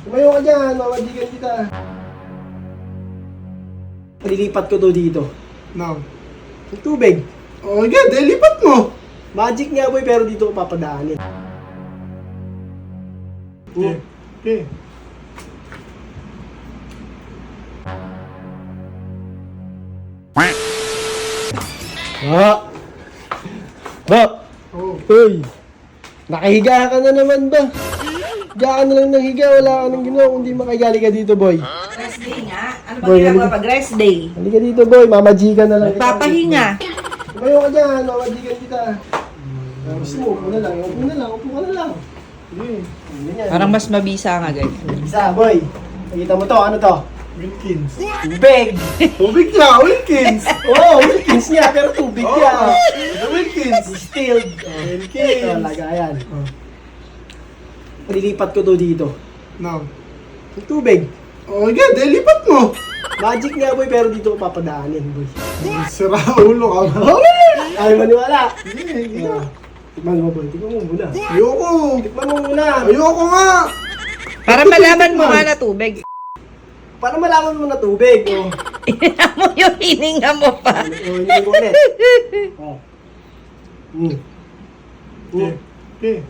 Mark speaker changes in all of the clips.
Speaker 1: Tumayo ka dyan, mamadigan kita. Palilipat ko to dito.
Speaker 2: No.
Speaker 1: Yung tubig.
Speaker 2: Oh, yeah, lipat mo.
Speaker 1: Magic nga boy, pero dito ko papadaanin.
Speaker 2: Okay. Okay.
Speaker 1: Ba!
Speaker 2: Oh.
Speaker 1: Uy! Nakahiga ka na naman ba? Higa ka na lang ng higa, wala ka nang ginawa kundi makahigali ka dito boy.
Speaker 3: Rest day nga. Ano ba
Speaker 1: Boy,
Speaker 3: ginagawa
Speaker 1: halika.
Speaker 3: pag rest day?
Speaker 1: Halika dito boy, mamajikan na lang.
Speaker 3: Papahinga.
Speaker 1: Tumayo ka dyan, mamajikan kita. Gusto mo, upo na lang, upo na lang, upo ka na lang. Ganyan.
Speaker 3: Parang mas mabisa nga ganyan.
Speaker 1: Isa boy, nakita mo to, ano to?
Speaker 2: Wilkins.
Speaker 1: Tubig!
Speaker 2: Tubig niya, Wilkins.
Speaker 1: Oo, Wilkins niya, pero tubig
Speaker 2: Oh,
Speaker 1: niya.
Speaker 2: Wilkins.
Speaker 1: Distilled.
Speaker 2: Wilkins.
Speaker 1: Ito, lagayan.
Speaker 2: Oh.
Speaker 1: Palilipat ko to dito.
Speaker 2: No.
Speaker 1: Yung tubig.
Speaker 2: Oh, yeah, lipat mo.
Speaker 1: Magic nga boy, pero dito ko papadaanin boy.
Speaker 2: Sira ulo ka ba?
Speaker 1: Ay, maniwala.
Speaker 2: Yeah.
Speaker 1: Tikman mo boy, tikman mo muna.
Speaker 2: Ayoko.
Speaker 1: Tikman mo muna.
Speaker 2: Ayoko nga.
Speaker 3: Para malaman mo nga na tubig.
Speaker 1: Para malaman mo na tubig. Oh.
Speaker 3: Hininga mo yung hininga mo pa.
Speaker 1: Oh, hindi ko ulit. Oh.
Speaker 2: Okay. Okay.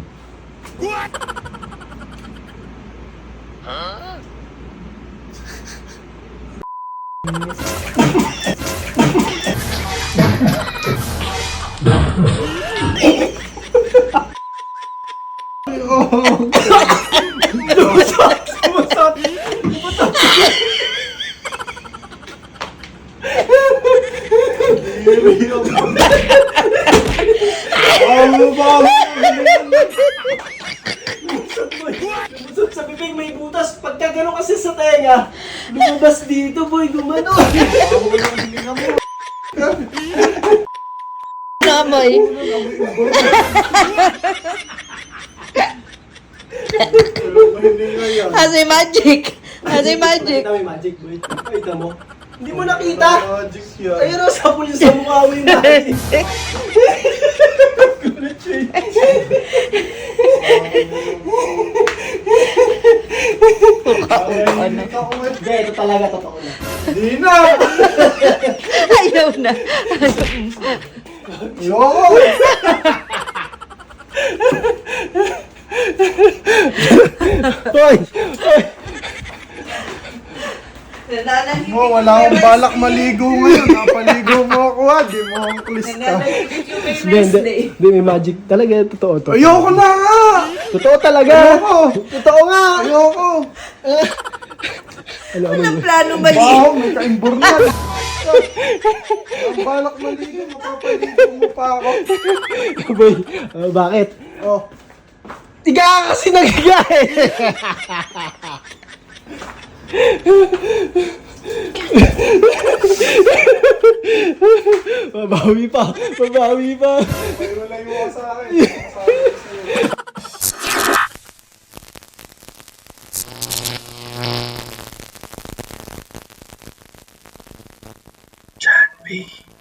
Speaker 2: Ano ba?
Speaker 1: Lumusot sa bibig, may butas. Pagka gano'n kasi sa tenga, lumabas dito boy, gumano.
Speaker 3: Namoy. Kasi magic. Kasi magic.
Speaker 1: Nakita mo yung magic boy. Nakita mo? Hindi mo nakita?
Speaker 2: Magic yan.
Speaker 1: Ayun o, sapul sa mukha mo yung magic.
Speaker 3: Ano?
Speaker 1: Hindi, ito talaga totoo na.
Speaker 2: Di na.
Speaker 3: Ayaw na.
Speaker 2: Ayoko.
Speaker 1: Hoy!
Speaker 2: Mo, wala akong balak maligo ngayon. Napaligo mo ako ha. Di mo akong klista.
Speaker 1: Hindi, may magic. Talaga, totoo to.
Speaker 2: Ayoko na nga.
Speaker 1: Totoo talaga.
Speaker 2: Ayoko.
Speaker 1: Totoo nga.
Speaker 2: Ayoko.
Speaker 1: Ano,
Speaker 3: Walang plano mali.
Speaker 2: Wow, may kaimbor na. Ang balak maligo. Mapapaligo mo pa ako.
Speaker 1: Boy, bakit?
Speaker 2: Oh.
Speaker 1: Tiga ka kasi nagiga eh. Mabawi pa. Mabawi pa.
Speaker 2: Ay, malayo ka sa akin. Sabi ko sa'yo. John B.